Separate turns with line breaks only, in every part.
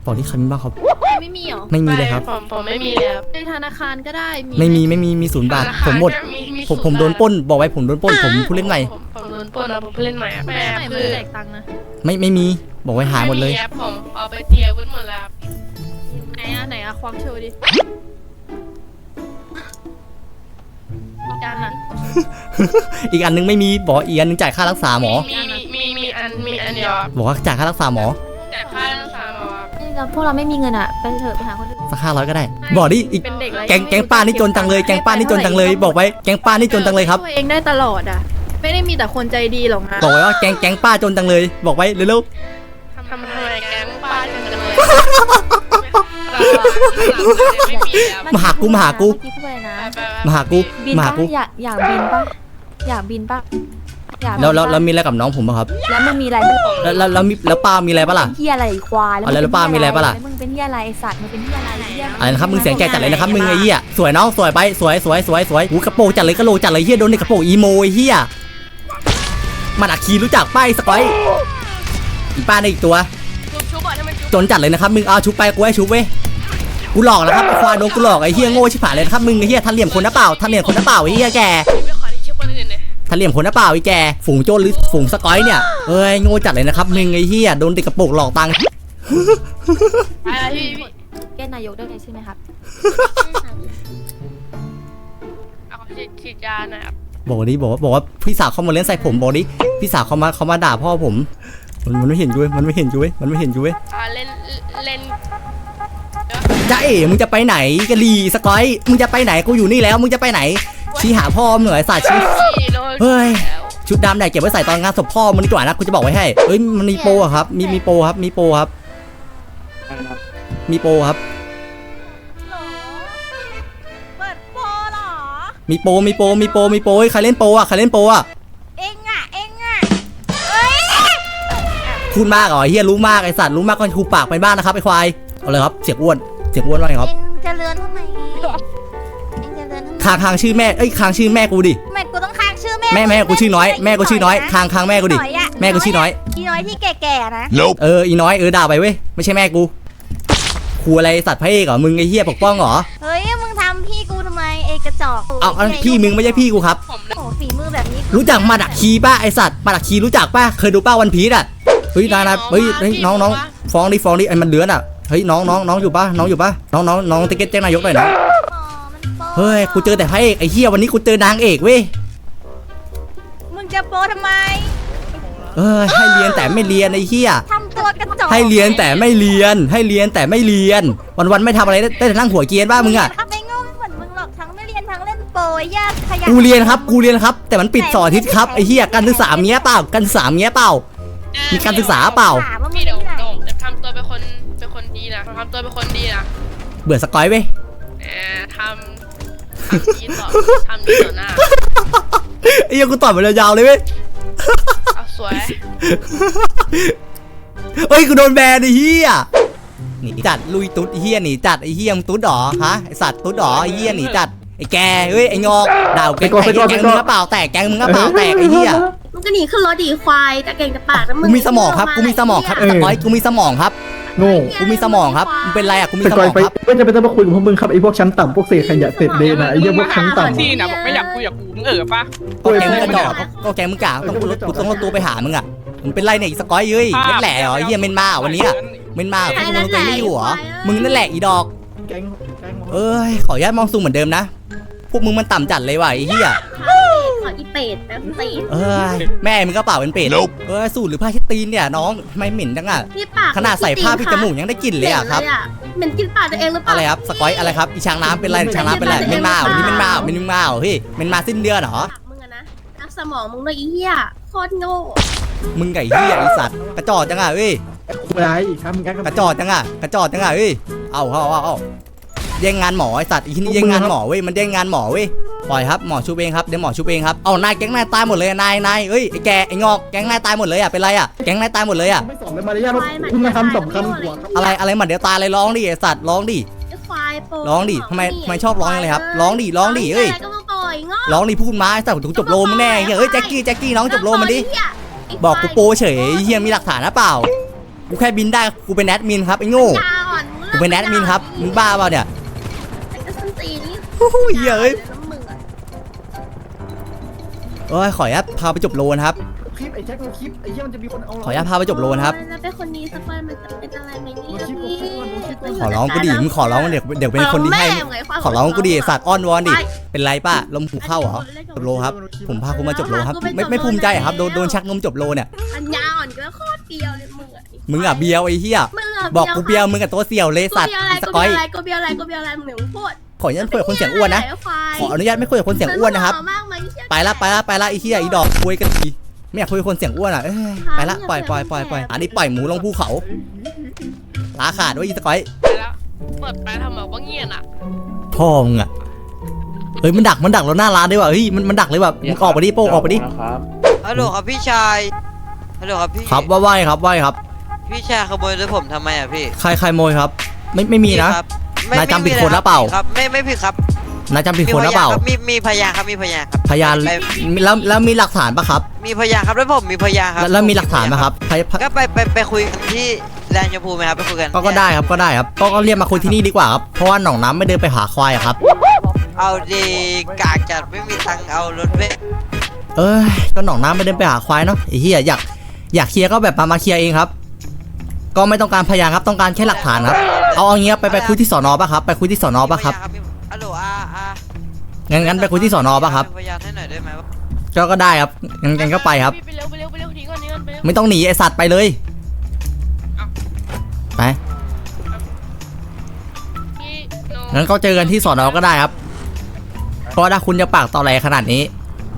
บอกที่ใครมีบ้างครับ
ไม่มีหรอ
ไม่มีเลยครับ
ผมไม่มีเลยครับ
ในธนาคารก็ได้
ไม่มี0 บาทผมหมดผมโดนปล้นบอกไว้ผมโดนปล้นผมผู้เล่นใหม่
ผมโดนปล้นนะผมผู้เล่นใหม่อะแม่
ไม่
คือ
แจกตังค์นะ
ไม่มีบอกไว้หายหมดเลย
ผมเอาไปเตียวุ้นหมดแล้ว
ไหนอะความโชว์ดิ
อีกอันนึงไม่มีบอกอีกอันนึงจ่ายค่ารักษาหมอ
มีอันเดียว
บอกว่าจ่ายค่ารักษาหมอ
จ่ายค่ารักษาหมอ
พวกเราไม่มีเงินอะไปเถอะไปหาคนอื่น
สัก500ก็ได้บอกดิอีกแก๊งป้านี่จนจังเลยแก๊งป้านี่จนจังเลยบอกไว้แก๊งป้านี่จนจังเลยครับ
ตัวเองได้ตลอดอะไม่ได้มีแต่คนใจดีหรอกนะ
บอกไว้ว่าแก๊งป้าจนจังเลยบอกไว้เร็ว
ๆทำไมแก๊งป้าจนจังเลย
มาหากู
อยากบินปะ
แล้วมีอะไรกับน้องผมป่ะครับ
แล้วมึงมีอะไร
แล้วป้ามีอะไรป่ะล่ะ
เฮียอะไรควาย
แล้วป้ามีอะไรป่ะล่ะ
มึงเป็นเฮียอะไรไอสัตว์มึงเป็นเฮียอะไร
นะครับมึงเสียงแก่จัดเลยนะครับมึงไอ้เหี้ยสวยน้องสวยไปสวยหูกระโปรงจัดเลยกระโหลกจัดเลยเหี้ยโดนในกระโปรงอีโมไอ้เหี้ยมันอักคีรู้จักป้ายสกอยอีป้าในอีกตัวจนจัดเลยนะครับมึงเอาชุบไปกูให้ชุบเว้ยกูหลอกนะครับไอ้ควายโดนกูหลอกไอ้เหี้ยโง่ชิบหายเลยนะครับมึงไอ้เหี้ยทันเหลี่ยมคนนะเปล่าไอ้เหี้ยแกทันเหลี่ยมคนนะเปล่าไอ้แกฝูงโจรหรือฝูงสกอยเนี่ยเอ้ยโง่จัดเลยนะครับมึงไอ้เหี้ยโดนเด็กกระโปรงหลอกตังค์
แกนายกได้ไงใช่ไหมครับ
เอาฉีดยาหน่อยครับ
บอกว่าพี่สาวเขามาเล่นใส่ผมบอกดิพี่สาวเขามาด่าพ่อผมมันไม่เห็นด้วยมันไม่เห็นด้วย
เล่น
จ้าเอ๋มึงจะไปไหนกะลีสกอยมึงจะไปไหนกูอยู่นี่แล้วมึงจะไปไหนชี้หาพ่อมึงเหนื่อยสาดชี้เฮ้ยชุดดำไหนเก็บไว้ใส่ตอนงานศพพ่อมึงดีกว่านะกูจะบอกไว้ให้เอ้ยมันมีโปรครับมีโปรครับมีโปรครับ
เปิดโปรหรอ
มีโปรใครเล่นโปรอ่ะ
เอ็งอ่ะ
พูดมากเหรอเฮียรู้มากไอสัตว์รู้มากก็คูปากไปบ้านนะครับไอควายเอาเลยครับเสียงอ้วนว่าไงครับ
เอ็งจะเลือนทำไม
ค้างชื่อแม่ค้างชื่อแม่กูดิ
แม่กูต้องค้างชื่อ
แม่กูชื่อน้อยแม่กูชื่อน้อยค้างแม่กูดิแม่กูชื่อน้อย
อีน้อยที่แก่ๆนะ
อีน้อยด่าไปเว้ยไม่ใช่แม่กูครูอะไรสัตว์พระเอกเหรอมึงไอเฮียปกป้องเหรอ
เฮ้ยมึงทำพี่กูทำไมเอกระจอก
เอาพี่มึงไม่ใช่พี่กูครับ
โอ้ฝีมือแบบนี้
รู้จักมาดักคีป่ะไอสัตว์มาดักคีรู้จักป่ะเคยดูป้าวันพีชอ่ะเฮ้ยนาเฮ้ยน้องฟ้องดิไอ้มันเลื้อนอ่ะเฮ้ยน้องอยู่ป่ะน้องติ๊กเก็ตแจ้งนายกหน่อยนะเฮ้ยกูเจอแต่พระเอกไอ้เหี้ยวันนี้กูเจอนางเอกเว้ย
มึงจะโปทำไม
ให้เรียนแต่ไม่เรียนไอ้เหี้ย
ทำตัวกระจอก
ให้เรียนแต่ไม่เรียนวันไม่ทำอะไรได้แต่นั่งหัวเกียร์บ้ามึงอ่ะ
ไม่โง่เหมือนมึงหรอกทั้งไม่เรียนทั้งเล่นโปยากขยัน
กูเรียนครับแต่มันปิด2 อาทิตย์ครับไอ้เหี้ยการศึกษาเมียเปล่ามีการศึกษาเปล่า
พี่เดี๋ยวจะทำตัวเป็นคนดีนะ
เบื่อสกอยเว้ย
ทำดีต่อหน้า
ไอ้ยังกูต่อยมันยาวเลยเว้ย
สวย
เฮ้ยกูโดนแบนไอ้เหี้ยหนีจัดลุยตุ๊ดไอ้เหี้ยหนีจัดไอ้เหี้ยมึงตุ๊ดหรอฮะไอสัตว์ตุ๊ดหรอไอ้เหี้ยหนีจัดไอ้แกเฮ้ยไอ้งอกด่าแกงมึงกระเป๋าแตกไอ้เหี้ย
มึงก็หนีขึ้นรถดีควายแต่เก่งแต่ปากแล้วมึง
กูมีสมองครับสกอยกูมีสมองครับ
โง่
กูมีสมองครับมึงเป็นไรอ่ะกูมีสมองครับ
ไม่จะเป็นต้องมาคุยกับพวกมึงครับไอ้พวกชั้นต่ำพวกเศษขยะเศษเดนไอ้เรื่องพวกชั้นต่ำ
ที่นะบอกไม่อยากคุยกับกูมึงปะ
ก็แกมึงกระจอกก็แกมึงกะต้องรถตัวไปหามึงอ่ะมึงเป็นไรเนี่ยสกอยเอ้ยนั่นแหละเหรอเฮียเมนมาวันนี้เมนมาคุณมึงไม่อยู่เหรอมึงนั่นแหละอีดอกขออนุญาตมองซูมเหมือนเดิมนะพวกมึงมันต่ำจัดเลยว่ะไอ้เหี้ย
ขออีเป็ดนะ
แม่มึงก็เปล่าเป็นเป็ดสูตรหรือผ้าเช็ดตีนเนี่ยน้องทำไมเหม็นจังอ่ะขนาดใส่ผ้าพี่จมูกยังได้กลิ่นเลยอ่ะครับ
เหม็นกินปากตัวเองหรือเปล่า
อะไรครับสกอยอะไรครับอีช้างน้ำเป็นไรช้างน้ำเป็นไรเมนมาวันนี้เมนมาเฮ้ยเมนมาสิ้นเดือนเหรอ
มึงอะนะทับสมองมึงเลยอีเหี้ยโคตรโง่
มึงไก่เหี้ยไอสัตว์กระจอกจังอ่ะเฮ้ย
อะไรครับ
กระจอกจังอ่ะเฮ้ยเอาแย่งงานหมอไอสัตว์อีนี่แย่งงานหมอเว้ยมันแย่งงานหมอเว้ยปล่อยครับหมอชูเองครับเดี๋ยวหมอชูเองครับเอานายแก๊งนายตายหมดเลยนายเอ้ยไอแกไองอกแก๊งนายตายหมดเลยอ่ะเป็นไรอ่ะแก๊งนายตายหมดเลยอ่ะ
ไม่สอนเลยมารยาทคุณมาทำ2 คำหัว
อะไรเหมือนเดี๋ยวตายเลยร้องดิไอสัตว์ร้องดิทำไมชอบร้องเลยครับร้องดิเอ้ยร้องดิพูดมาไอสัตว์ถูกจบโลมแน่เฮ้ยแจ็คกี้น้องจบโลมันดิบอกกูโปเฉยเฮียมีหลักฐานนะเปล่ากูแค่บินได้กูเป็นแอดมินครับไอ้โง่
ยาอ่อนมึง
กูเป็นแอดมินครับมึงบ้าเปล่าเนี่ย
ไอ้กระสันตีนี่
โอ้โหเหี้ยเอ้ย
แล้วมึงอะ
เอ้ยขออนุญาตพาไปจบโลนะครับ
คลิปไอ้แจ็คดูคลิปไอ้เหี้ยมันจะมีคนเอา
ขออนุญาตพาไปจบโลนะครับ
แล้วเป็นคนนี้สักวันมันจะเป็นอะไรไหมเนี่ย
ขอร้องกูดิมึงขอร้องเดี๋ยวเป็นคนที่ให้ ขอร้องกูดิสัตว์อ้อนวอนดิเป็นไรป้าลมหูเข้าเหรอจบโลครับผมพาคุณมาจบโลครับไม่ภูมิใจครับโดนชักนมจบโลเนี่ย
อันยาอ่อนก็โคตรเบียวเลยมึงอะ
มึงอ่ะเบียวไอ้เหี้ย
มึงอะ
บอกกูเบียวมึงกับตัวเสี่ยวเลยสัตว์สกอย
กูเบียวอะไรมึงหนึ่งพูด
ขออนุญาตคุยกับคนเสียงอ้วนนะขออนุญาตไม่คุยกับคนเสียงอ้วนนะครับ ไปละไอ้เหี้ยไอ้ดอกคุยกันดีไม่อยากคุยกับคนเสียงอ้วนอ่ะไปละปล่อยอันนี้ปล่อยหมูลงภูเขาลาขาดไว้อีสกอย
ไปแล้วเปิดไปทำแบบว่าเงียบอ่ะ
พ่อมึงอ่ะเฮ้ยมันดักเราหน้าร้านด้วยว่ะเฮ้ยมันดักเลยว่ะมึงออกไปดิโป้ออกไปดิ
ฮัลโหลครับพี่ชายฮัลโหลครับพี่
ครับว่าไหวครับ
พี่ชายขโมยรถผมทำไมอ่ะพี่
ใครโมยครับไม่มีนะ
พี่ครับไม่
นายจำผิด
ไม่
คนหรือเปล่า
ครับไม่ผิดครับ
นายจำผิดคนหรือเปล่า
มีพยานครับมีพยานครับ
พยาน
ไป
แล้วมีหลักฐานปะครับ
มีพยานครับแล้วผมมีพยานครับ
แล้วมีหลักฐานปะครับ
ก็ไปคุยกันที่แลนด์ชมพูไหมครับไปคุยกัน
ก็ได้ครับก็เรียกมาคุยที่นี่ดีกว่าครับเพราะว่าหนองน้ำไม่เดินไปหาควายอะครับ
เอาดีกากจัดไม่มีตังค์เอารถเว้ย
เอ้ยก็หนองน้ำไม่เดินไปหาควายเนาะไอ้เหี้ยอยากเคลียร์ก็แบบมาเคลียร์เองครับ ก็ไม่ต้องการพยานครับต้องการแค่หลักฐานครับเอาอย่างเงี้ยไปคุยที่สอนอป่ะครับไปคุยที่สอนอป่ะครับ
มีพยานฮัลโหล
งั้นไปคุยที่สอนอป่ะครับ
มีพยานให้หน่อยได้ไหมวะ
ก็ได้ครับงั้นก็ไปครับ
ไปเร็วหนีก่อนไปเร็ว
ไม่ต้องหนีไอสัตว์ไปเลยไป
พี่โ
งั้นก็เจอกันที่สอนอก็ได้ครับเพราะถ้าคุณจะปากต่อแหลขนาดนี้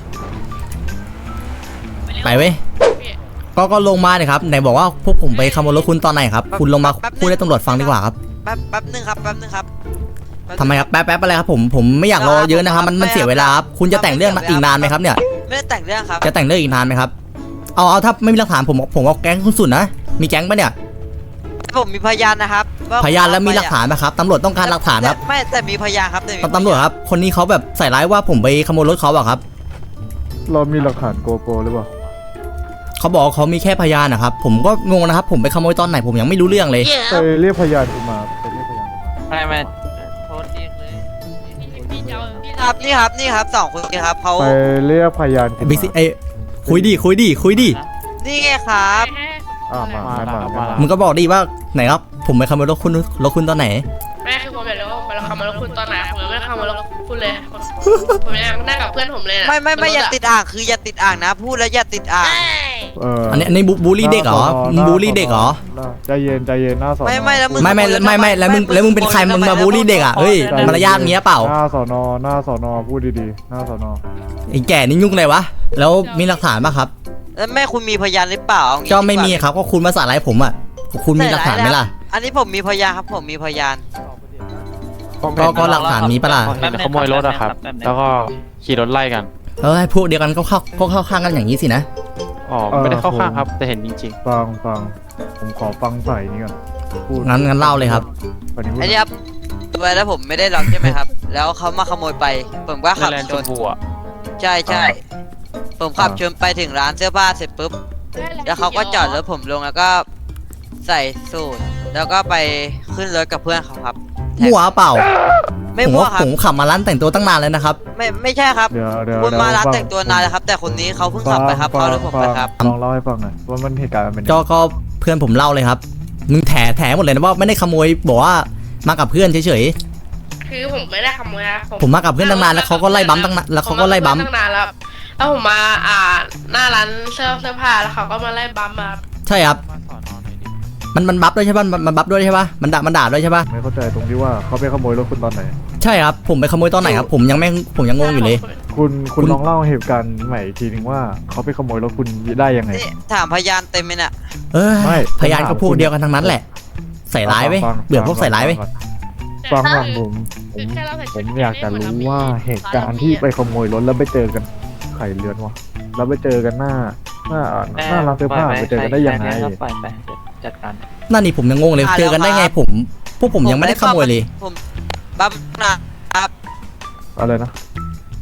ไปเว้ย
พี่
ก็ลงมาเลยครับไหนบอกว่าพวกผมไปขโมยรถคุณตอนไหนครับคุณลงมาพูดให้ตำรวจฟังดีกว่าครับ
แป๊บนึงครับ
ทำไมครับแป๊บอะไรครับผมไม่อยากรอเยอะนะครับมันเสียเวลาครับคุณจะแต่งเรื่องอีกนานไหมครับเนี่ย
ไม่ได้แต่งเรื่องครับ
จะแต่งเรื่องอีกนานไหมครับเอาถ้าไม่มีหลักฐานผมเอาแก๊งคุณสุดนะมีแก๊งปะเนี่ย
ผมมีพยานนะครับว่
พยานแล้วมีหลักฐานไหมครับตำรวจต้องการหลักฐานครับ
ไม่แต่มีพยานครับแต่มี
ตำรวจครับคนนี้เขาแบบใส่ร้ายว่าผมไปขโมยรถเขาอะครับ
เรามีหลักฐานโกโปรหรือเปล่า
เขาบอกเขามีแค่พยานนะครับผมก็งงนะครับผมไปขโมยตอนไหนผมยังไม่รู้เรื่องเลย
ไปเรียกพยานกูมาไปเรียกพยานกูมา
ไม่โทษดีเลย
พี่จะเอาพี่
ครับนี่ครับสองคนนี้ครับเขา
ไปเรียกพยานกู
บิ๊กซีไอ้คุยดิ
นี่ไงครับ
มา
มึงก็บอกดิว่าไหนครับผมไปขโมยรถคุณตอนไหน
แม่คือผมอยากรู้ว่าเราคำมาแล้วคุณตอนไหนผมยังไม่คำมาแล้วคุณเลยผมยังนั่งกับเพื่อนผมเลย
ไม่อย่าติดอ่างคืออย่าติดอ่างนะพูดแล้วอย่าติดอ่าง
อันนี้บูลลี่เด็กเหรอมึงบูลลี่เด็กเหรอ
ใจเย็นหน้าสอน
ไม่แล้วมึง
ไม่แล้วมึงเป็นใครมึงมาบูลลี่เด็กอ่ะเฮ้ยมารยาทเงี้ยเปล่า
หน้าสอนอพูดดีๆหน้าสอนอ
ไอ้แก่นี่ยุ่งเลยวะแล้วมีหลักฐานป่ะครับ
แล้วแม่คุณมีพยานหรือเปล่า
ก็ไม่มีครับก็คุณมาสาร้ายผมอ่ะคุณมีหลักฐานไหมล่ะ
อันนี้ผมมีพยานครับผมมีพยาน
ก็หลักฐานมีปะล่ะ
เห็นขโมยรถอะครับ แล้วก็ขี่รถไล่กัน
พวกเดียวกันก็เข้าข้างกันอย่างนี้สินะ
อ๋อ ไม่ได้เข้าข้างครับ แต่เห็นจริง
ฟังผมขอฟังใส่นี่ก่อนพูด
งั้นเล่าเลยครับ
วันนี้พูด
อันนี้ครับตัวแล้วผมไม่ได้ล็อกใช่ไหมครับ แล้วเขามาขโมยไปผมก็
ๆ
ขับ
แลนด์
ช
ช
น
มพูอะ
ใช่ผมขับชนไปถึงร้านเสื้อผ้าเสร็จปุ๊บแล้วเขาก็จอดรถผมลงแล้วก็ใส่สูทแล้วก็ไปขึ้นรถกับเพื่อนเขาครับ
มั่วเปล่า
ไม่
ผม
มั่ว
ว่า
ครับ
ผมขับมาร้านแต่งตัวตั้งนานแล้วนะครับ
ไม่ใช่ครับ
เดี๋ยว
คุณมาร้านแต่งตัวนานแล้วครับ แต่คนนี้เขาเพิ่งขับไปครับเขารถผมไปครับ
ลองเล่าให้ฟังหน่อยว่ามันเหตุการณ์มันเป็นยังไง
ก็เพื่อนผมเล่าเลยครับมึงแถหมดเลยนะว่าไม่ได้ขโมยบอกว่ามากับเพื่อนเฉย
คือผมไม่ได้ขโมยนะ
ๆผมมากับเพื่อนตั้งนานแล้วเขาก็ไล่บัมตั้งนานแล้วเขาก็ไล่บัม
ตั้งนานแล้วแล้วผมมาหน้าร้านเสื้อผ้าแล้วเขาก็มาไล่บัมมา
ใช่ครับ
มาสอนอหน่อยดิ
มันบัฟด้วยใช่ป่ะมันบัฟด้วยใช่ป่ะมันด่าด้วยใช่ป่ะ
ไม่เข้าใจตรงที่ว่าเขาไปขโมยรถคุณตอนไหน
ใช่ครับผมไปขโมยตอนไหนครับผมยังงงอยู่เลย
คุณ
คุณ
ลองเล่าเหตุการณ์ใหม่อีกทีนึงว่าเขาไปขโมยรถคุณได้ยังไง
นี่ถามพยานเต็มเลยน่ะ
ไม่
พยานก็พวกเดียวกันทั้งนั้นแหละ ใส่ร้ายไว้ย
ฟัง
เบื่อพวกใส่ร้ายไว้ย
ฟังผมอยากจะรู้ว่าเหตุการณ์ที่ไปขโมยรถแล้วไปเจอกันไข่เลือนวะแล้วไปเจอกันหน้าร้านเสื้อผ้าไปเจอกันได้ยังไง
ไปจัดการ
นั่นนี่ผมยังงงเลยเจอกันได้ไงพวกผมยังไม่ได้ขโมยเลย
ผมบัมนะครับ
อะไรนะ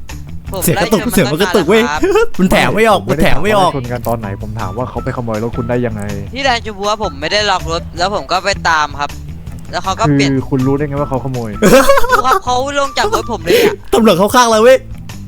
ผม
เสียงก
ไล่
ระตุก
ชน
เสียงมันกระตุกเว้ย
ตั้งนานแล้วครับ
มันแถมไม่ออกมันแถมไม่ออก
ผด้ถาว่าชนกันตอนไหนผมถามว่าเขาไปขโมยรถคุณได้ยังไง
ที่แลนด์ชมพูว่าผมไม่ได้ล็อกรถแล้วผมก็ไปตามครับ แล้วเขาก็
คื
เปลี่ยน
อคุณรู้ได้ไงว่าเขาขโมย
ดูครับเขาลงจากรถผมเลยอ่ะ
ตำรวจเข้าข้างเราเว้ย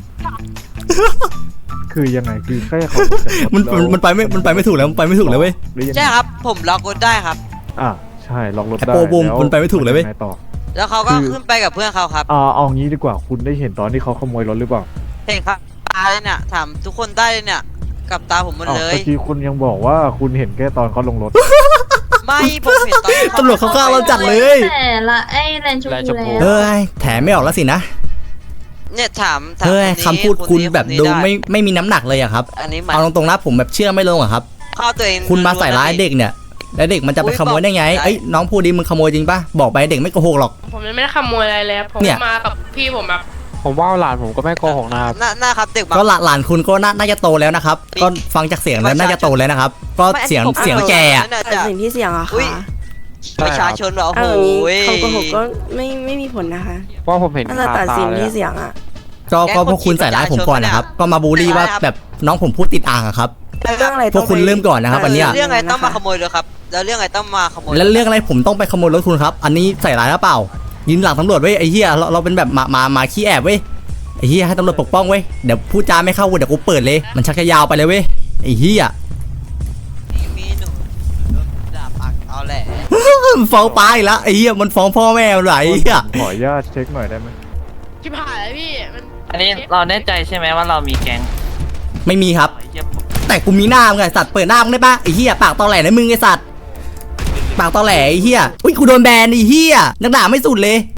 คือยังไงคือแค่เขาลงจากรถ
มันไปไม่ถูกแล้วมันไปไม่ถูกแล้วเว้ย
หรือยังไง
ใช่ครับ ผมล็อกรถได้ครับ
อ่ะใช่ล็อกรถ
ไอ้
ได้
โปรบูม
แล้ว
มันไปไม่ถูกเลยเว้ย
งไงต่อ
แล้วเขาก็
คือ
ขึ้นไปกับเพื่อนเขาครับ
เอางี้ดีกว่าคุณได้เห็นตอนที่เขาขโมยรถหรือเปล่า
เห็นครับตาเลยเนี่ยถามทุกคนได้เลยเนี่ยกับตาผมหมด
อ้าว
เลย
เมื่อกี้คุณยังบอกว่าคุณเห็นแค่ตอนเขาลงรถ
ไม่ผมเห็นตอนที่
ตำรวจเข้าข้างเราจัดเลย
แต่ละไอ้แลนชมพูแล้ว
เฮ้ยแถมไม่ออกแล้วสินะ
เนี่ยถาม
เฮ้ย
นนี้
คำพูดคุณ
นี้
แบบ
นนี้
ดู
ด้
ไม่มีน้ำหนักเลยอะครับ
อันนี้มัน
เอาตรงๆนะผมแบบเชื่อไม่ลงอะครับ
เข้าตัวเอง
คุณมาใส่ร้ายเด็กเนี่ยแล้วเด็กมันจะไปขโมยได้ไง
อุ๊ยบอก
เอ้ยน้องพูดดิมึงขโมยจริงปะบอกไปเด็กไม่โกหกหรอก
ผมยังไม่ได้ขโมยอะไรเลยผม
เนี่ย
มากับพี่ผมแบบ
ผมว่าหลานผมก็ไม่โกหกนะครับ
น่าครับเด็กบาง
ก็หลานคุณก็น่าจะโตแล้วนะครับ ก็ฟังจากเสียงแล้วน่าจะโตแล้วนะครับ ก็เสียง
ผม
เสียงแกอะ
น่า
แต่
จะ
สิ่งที่เสี่ยงอะ
อุ๊
ค่ะ
ย ประชาชนเหรอ
เอา
โอ้
อย่างนี้
โห
คำโกหกก็ไม่มีผลนะคะ
ว่าผมเห็น
ถ้าจะ
คา
ตัด
ตา
สิน
เลย
ที่
อะ
เสี่ยงอะ
ก็พวกคุณใส่ร้ายผมก่อนนะครับ ก็มาบูลลี่ว่าแบบน้องผมพูดติดอ่างอะครับ
เรื่องอะไร
พวกคุณเริ่มก่อนนะครับอันเนี้ย
เรื่องอะไรต้องมาขโมยเลยครับ แล้วเรื่องอะไรต้องมาขโมย
แล้วเรื่องอะไรผมต้องไปขโมยรถคุณครับ อันนี้ใส่ร้ายหรือเปล่ายืนหลังตำรวจเว้ยไอ้เหี้ยเราเป็นแบบมาขี้แอบเว้ยไอ้เหี้ยให้ตำรวจปกป้องเว้ยเดี๋ยวพูดจาไม่เข้าเดี๋ยวกูเปิดเลยมันชักจะยาวไปเลยเว้ยไอ้เหี้ย
มีหนูด่าปากเอาแหละ
มันฟ้องป้าอีกแล้วไอ้เหี้ยมันฟ้องพ่อแม่มันไหลไอ้เหี้ย
ขออนุญาตเช็คหน่อยได้ไหม
ชิบหายแล้วพี่มัน
อันนี้เราแน่ใจใช่ไหมว่าเรามีแก๊ง
ไม่มีครับ
ไอ้เหี้ยผม
แต่กูมีหน้ามึงไงสัตว์เปิดหน้ามึงได้ปะไอ้เหี้ยปากตอแหลนะมึงไอ้สัตว์ปากตอแหลไอ้เหี้ยอุ้ยกูโดนแบนไอ้เหี้ยนักด่าไม่สุดเลย